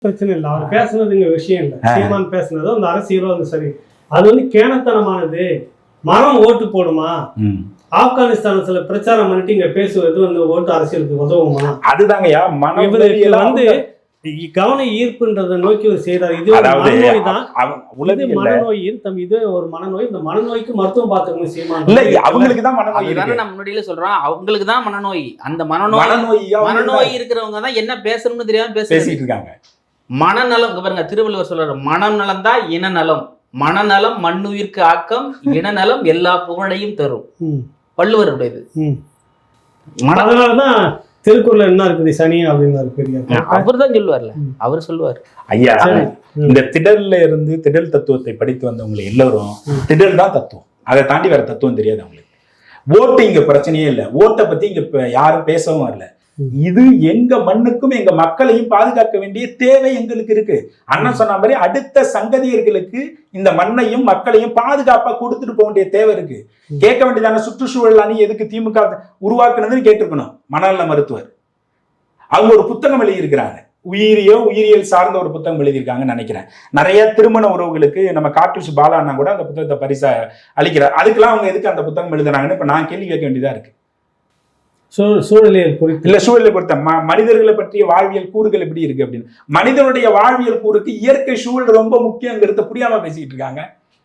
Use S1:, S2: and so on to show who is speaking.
S1: பிரச்சனை இல்லை, அவர் பேசுனது இங்க விஷயம் இல்லை. சீமான் பேசுனதோ அந்த அரசியலோ வந்து சரி, அது வந்து கேனத்தனமானது. மரம் ஓட்டு போடுமா, ஆப்கானிஸ்தான் சில பிரச்சாரம் பண்ணிட்டு இங்க பேசுவது வந்து ஓட்டு அரசியலுக்கு உதவுமா?
S2: அதுதாங்கய்யா
S1: வந்து கவன ஈர்ப்புன்றதை நோக்கி ஒரு செய்யறாரு. இது மனநோய் தான், மனநோய். இதே ஒரு மனநோய். இந்த மனநோய்க்கு மருத்துவம் பார்த்துக்கணும் சீமான்.
S2: இல்ல, அவங்களுக்கு தான் மனநோய்.
S3: நம்ம முன்னாடியில சொல்றோம், அவங்களுக்கு தான் மனநோய். அந்த மனநோய் இருக்கிறவங்க தான் என்ன பேசணும்னு தெரியாம பேசிட்டு இருக்காங்க. மனநலம் பாருங்க, திருவள்ளுவர் சொல்றாரு, மனநலம் தான் இனநலம். மனநலம் மண்ணுயிர்க்கு ஆக்கம், இனநலம் எல்லா புகழையும் தரும். வள்ளுவருடையது.
S1: அதனாலதான் திருக்குறள் என்ன இருக்குது, சனி அப்படின்னு பெரிய
S3: அவர் தான் சொல்லுவார்ல, அவர் சொல்லுவார்.
S2: ஐயா, இந்த திடல்ல இருந்து திடல் தத்துவத்தை படித்து வந்தவங்க எல்லாரும் திடல் தான் தத்துவம், அதை தாண்டி வேற தத்துவம் தெரியாது அவங்களுக்கு. ஓட்டு இங்க பிரச்சனையே இல்லை, ஓட்டை பத்தி இங்க யாரும் பேசவும் வரல. இது எங்க மண்ணுக்கும் எங்க மக்களையும் பாதுகாக்க வேண்டிய தேவை எங்களுக்கு இருக்கு. அண்ணன் சொன்ன மாதிரி அடுத்த சங்கதியர்களுக்கு இந்த மண்ணையும் மக்களையும் பாதுகாப்பா கொடுத்துட்டு போக வேண்டிய தேவை இருக்கு. கேட்க வேண்டியதான சுற்றுச்சூழல் அணி எதுக்கு திமுக உருவாக்குனதுன்னு கேட்டிருக்கணும் மனநல மருத்துவர். அவங்க ஒரு புத்தகம் எழுதியிருக்கிறாங்க, உயிரியல் சார்ந்த ஒரு புத்தகம் எழுதியிருக்காங்கன்னு நினைக்கிறேன். நிறைய திருமண உறவுகளுக்கு நம்ம காட்டுச்சு பாலாண்ணா கூட அந்த புத்தகத்தை பரிசா அளிக்கிறார். அதுக்கெல்லாம் அவங்க எதுக்கு அந்த புத்தகம் எழுதுறாங்கன்னு இப்ப நான் கேள்வி கேட்க வேண்டியதா இருக்கு.
S1: சூழலியல் குறித்து
S2: இல்ல, சூழலை பொறுத்த மனிதர்களை பற்றிய வாழ்வியல் கூறுகள் எப்படி இருக்கு அப்படின்னு. மனிதனுடைய வாழ்வியல் கூறுக்கு இயற்கை சூழல் ரொம்ப முக்கியங்கிறத புரியாம பேசிட்டு இருக்காங்க.